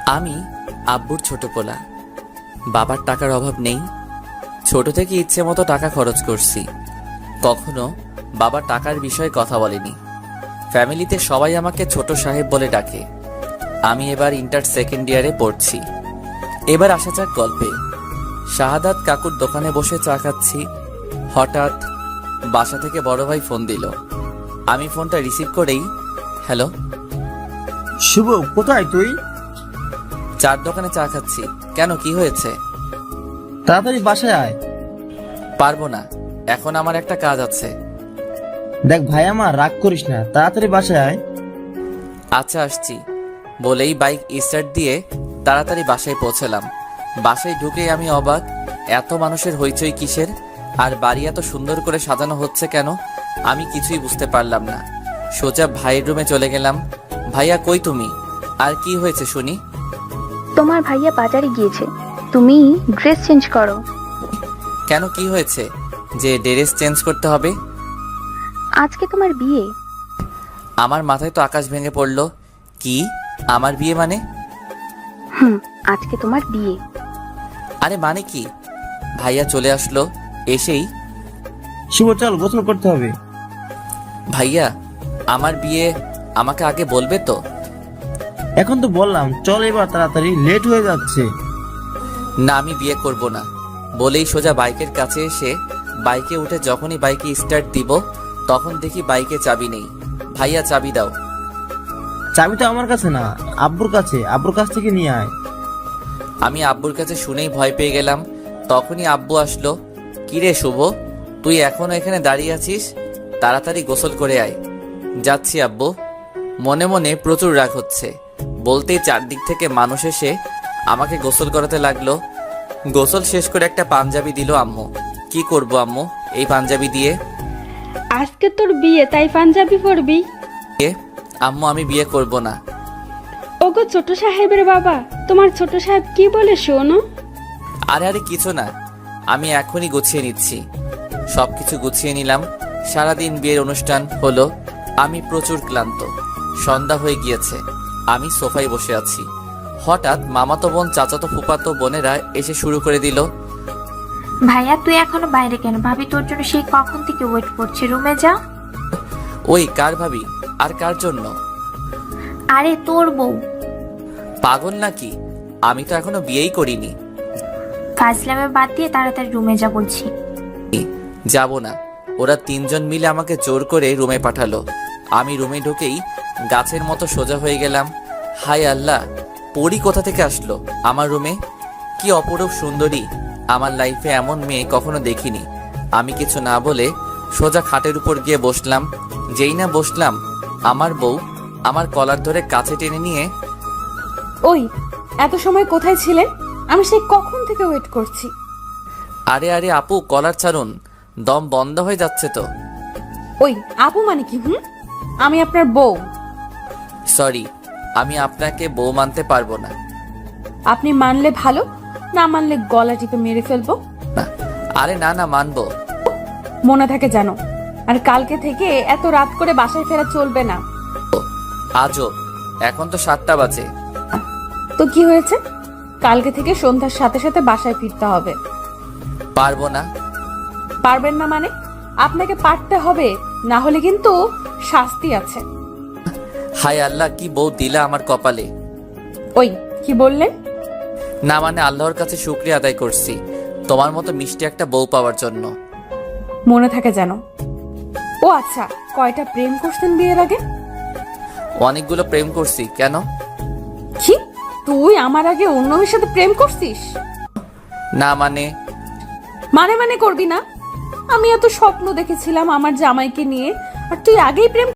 আমি আব্বুর ছোট পোলা। বাবার টাকার অভাব নেই। ছোট থেকে ইচ্ছে মতো টাকা খরচ করছি। কখনো বাবা টাকার বিষয়ে কথা বলেনি। ফ্যামিলিতে সবাই আমাকে ছোট সাহেব বলে ডাকে। আমি এবার ইন্টার সেকেন্ড ইয়ারে পড়ছি। এবার আসা যাক গল্পে। শাহাদাত কাকুর দোকানে বসে চা খাচ্ছি। হঠাৎ বাসা থেকে বড় ভাই ফোন দিল। আমি ফোনটা রিসিভ করেই, হ্যালো। শুভ, কোথায় তুই? চার দোকানে চা খাচ্ছি। কেন, কি হয়েছে? তাড়াতাড়ি বাসায় আয়। পারবো না, এখন আমার একটা কাজ আছে। দেখ ভাই, আমার রাগ করিস না, তাড়াতাড়ি বাসায় আয়। আচ্ছা, আসছি বলেই বাইক স্টার্ট দিয়ে তাড়াতাড়ি বাসায় পৌঁছলাম। বাসায় ঢুকেই আমি অবাক, এত মানুষের হইচই কিসের? আর বাড়ি এত সুন্দর করে সাজানো হচ্ছে কেন? আমি কিছুই বুঝতে পারলাম না। সোজা ভাইয়ের রুমে চলে গেলাম। ভাইয়া, কই তুমি? আর কি হয়েছে শুনি? তোমার ভাইয়া বাজারে গিয়েছে, তুমি ড্রেস চেঞ্জ করো। কেন, কি হয়েছে যে ড্রেস চেঞ্জ করতে হবে? আজকে তোমার বিয়ে। আমার মাথায় তো আকাশ ভেঙে পড়লো। কি, আমার বিয়ে মানে? আজকে তোমার বিয়ে। আরে মানে কি? ভাইয়া চলে আসলো। এসেই, শুভ চল, গোসল করতে হবে। ভাইয়া আমার বিয়ে, আমাকে আগে বলবে তো? এখন তো বললাম, চল এবার তাড়াতাড়ি, লেট হয়ে যাচ্ছে। না, আমি বিয়ে করব না বলেই সোজা বাইকের কাছে এসে বাইকে উঠে যখনই বাইকে স্টার্ট দিব তখন দেখি বাইকে চাবি নেই। ভাইয়া, চাবি দাও। চাবি তো আমার কাছে না, আব্বুর কাছে, আব্বুর কাছ থেকে নিয়ে আয়। আমি আব্বুর কাছে শুনেই ভয় পেয়ে গেলাম। তখনই আব্বু আসলো। কিরে শুভ, তুই এখনো এখানে দাঁড়িয়ে আছিস? তাড়াতাড়ি গোসল করে আয়। যাচ্ছি আব্বু। মনে মনে প্রচুর রাগ হচ্ছে। বলতেই চারদিক থেকে মানুষ এসে আমাকে গোসল করাতে লাগলো। গোসল শেষ করে একটা পাঞ্জাবি দিল আম্মু। কি করব আম্মু এই পাঞ্জাবি দিয়ে? আজকে তোর বিয়ে, তাই পাঞ্জাবি পরবি? আম্মু, আমি বিয়ে করব না। ওগো ছোট সাহেবের বাবা, তোমার ছোট সাহেব কি বলে শোনো? আরে আরে কিছু না, আমি এখনই গুছিয়ে নিচ্ছি। সবকিছু গুছিয়ে নিলাম। সারাদিন বিয়ের অনুষ্ঠান হলো। আমি প্রচুর ক্লান্ত। সন্ধ্যা হয়ে গিয়েছে। আমি সোফায় বসে আছি। হঠাৎ মামাতো বোন, চাচাতো ফুপাতো বোনেরা এসে শুরু করে দিল। ভাইয়া তুই এখনো বাইরে কেন? ভাবি তোর জন্য সেই কখন থেকে ওয়েট করছে, রুমে যা। ওই কার ভাবি? আর কার জন্য? আরে তোর বউ। পাগল নাকি? আমি তো এখনো বিয়েই করিনি। ফাজলামে বাদ দিয়ে তাড়াতাড়ি রুমে যা বলছি। যাব না। ওরা তিনজন মিলে আমাকে জোর করে রুমে পাঠালো। আমি রুমে ঢুকেই গাছের মতো সোজা হয়ে গেলাম। হায় আল্লাহ, পরি কোথা থেকে আসলো আমার রুমে? কি অপরূপ সুন্দরী! আমার লাইফে এমন মেয়ে কখনো দেখিনি। আমি কিছু না বলে সোজা খাটের উপর গিয়ে বসলাম। যেই না বসলাম, আমার বউ আমার কলার ধরে কাছে টেনে নিয়ে, ওই এত সময় কোথায় ছিলেন? আমি সেই কখন থেকে ওয়েট করছি। আরে আরে আপু, কলার ছাড়ুন, দম বন্ধ হয়ে যাচ্ছে তো। ওই আপু মানে কি? আমি আপনার বউ। সরি, আমি আপনাকে বউ মানতে পারবো না। আপনি মানলে ভালো, না মানলে গলা টিপে মেরে ফেলবো। না, আরে না না, মানবো। মনে থাকে জানো। আর কালকে থেকে এত রাত করে বাসায় ফেরা চলবে না। আজও, এখন তো 7টা বাজে। তো কি হয়েছে? কালকে থেকে সন্ধ্যার সাথে সাথে বাসায় ফিরতে হবে। পারবো না। পারবেন না মানে? আপনাকে পারতে হবে, না হলে কিন্তু শাস্তি আছে। হায় আল্লাহ, কি বউ দিলা আমার কপালে। ওই কি বললেন? না মানে আল্লাহর কাছে শুকরিয়া আদায় করছি তোমার মতো মিষ্টি একটা বউ পাওয়ার জন্য। মনে থাকে যেন। ও আচ্ছা, কয়টা প্রেম করছেন বিয়ের আগে? অনেকগুলো প্রেম করছি। কেন? কি, তুই আমার আগে অন্য মেয়ের সাথে প্রেম করছিস? না মানে? মানে মানে করবি না? আমি এত স্বপ্ন দেখেছিলাম আমার জামাইকে নিয়ে, আর তুই আগেই প্রেম